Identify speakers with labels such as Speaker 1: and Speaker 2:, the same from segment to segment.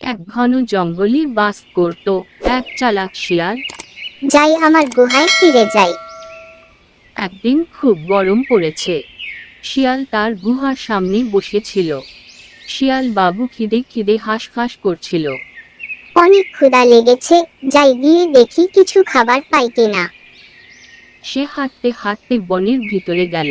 Speaker 1: এক ঘন জঙ্গলে বাস করত এক চালাক শিয়াল।
Speaker 2: যাই আমার গুহায় ফিরে যাই।
Speaker 1: একদিন খুব গরম পড়েছে। শিয়াল তার গুহার সামনে বসেছিল। শিয়াল বাবু খিদে খিদে হাঁসফাঁস করছিল।
Speaker 2: অনেক ক্ষুধা লেগেছে, যাই গিয়ে দেখি কিছু খাবার পাই কিনা।
Speaker 1: সে হাঁটতে হাঁটতে বনের ভিতরে গেল।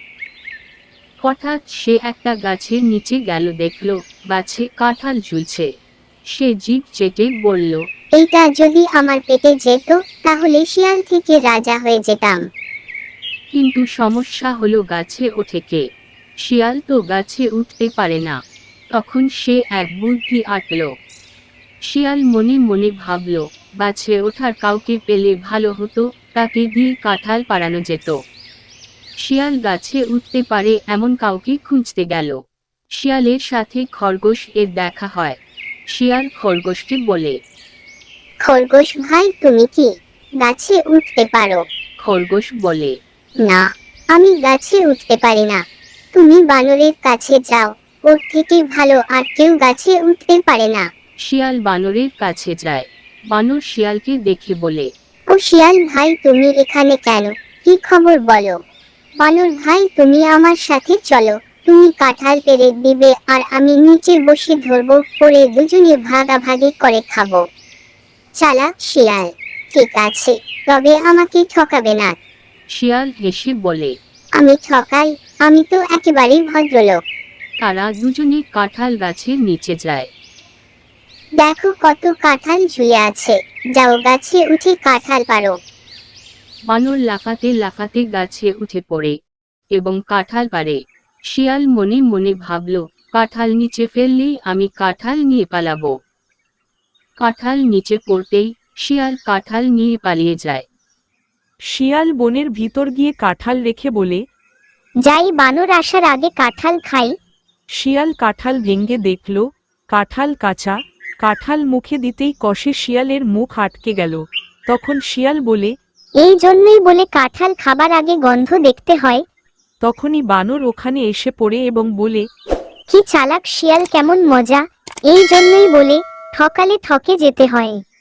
Speaker 1: হঠাৎ সে একটা গাছের নিচে গেল, দেখল গাছে কাঁঠাল ঝুলছে। সে জিভ চেটে বলল,
Speaker 2: এইটা যদি আমার পেটে যেত তাহলে শিয়াল থেকে রাজা হয়ে যেতাম।
Speaker 1: কিন্তু সমস্যা হলো গাছে ওঠে কে? শিয়াল তো গাছে উঠতে পারে না। তখন সে এক বুদ্ধি আঁটল। শিয়াল মনে মনে ভাবল, গাছে ওঠার কাউকে পেলে ভালো হতো, তাকে দিয়ে কাঁঠাল পাড়ানো যেত। শিয়াল গাছে উঠতে পারে এমন কাউকে খুঁজতে গেল। শিয়ালের সাথে খরগোশ এর দেখা হয়। শিয়াল খরগোশকে বলে,
Speaker 2: খরগোশ ভাই, তুমি কি গাছে উঠতে পারো?
Speaker 1: খরগোশ বলে,
Speaker 2: না, আমি গাছে উঠতে পারি না। তুমি বানরের কাছে যাও, ওর থেকে ভালো আর কেউ গাছে উঠতে পারে না।
Speaker 1: শিয়াল বানরের কাছে যায়। বানর শিয়ালকে দেখে বলে,
Speaker 2: ও শিয়াল ভাই, তুমি এখানে কেন? কি খবর বলো? বানর ভাই, তুমি আমার সাথে চলো। তুমি কাঁঠাল পেড়ে দিবে আর আমি নিচে বসে ধরবো, পরে দুজনে ভাগাভাগি করে খাবো। চালাক শিয়াল, ঠিক আছে, তবে আমাকে ঠকাবে না।
Speaker 1: শিয়াল হেসে বলে।
Speaker 2: আমি ঠকাই? আমি তো একেবারেই ভদ্রলোক।
Speaker 1: তারা দুজনে কাঁঠাল গাছের নিচে যায়।
Speaker 2: দেখো কত কাঁঠাল ঝুলে আছে, যাও গাছে উঠে কাঁঠাল পারো।
Speaker 1: বানর লাফাতে লাফাতে গাছে উঠে পড়ে এবং কাঁঠাল পারে। শিয়াল মনে মনে ভাবল, কাঁঠাল নিচে ফেললেই আমি কাঁঠাল নিয়ে পালাবো। কাঁঠাল নিচে পড়তেই শিয়াল কাঁঠাল নিয়ে পালিয়ে যায়।
Speaker 3: শিয়াল বনের ভিতর গিয়ে কাঁঠাল রেখে বলে,
Speaker 2: যাই বানর আসার আগে কাঁঠাল খাই।
Speaker 3: শিয়াল কাঁঠাল ভেঙে দেখল কাঁঠাল কাঁচা। কাঁঠাল মুখে দিতেই কষে শিয়ালের মুখ আটকে গেল। তখন শিয়াল বলে,
Speaker 2: এই জন্যই বলে কাঁঠাল খাবার আগে গন্ধ দেখতে হয়।
Speaker 3: তখনই বানর ওখানে এসে পড়ে এবং বলে,
Speaker 2: কি চালাক শিয়াল, কেমন মজা! এই জন্যই বলে ঠকালে ঠকে যেতে হয়।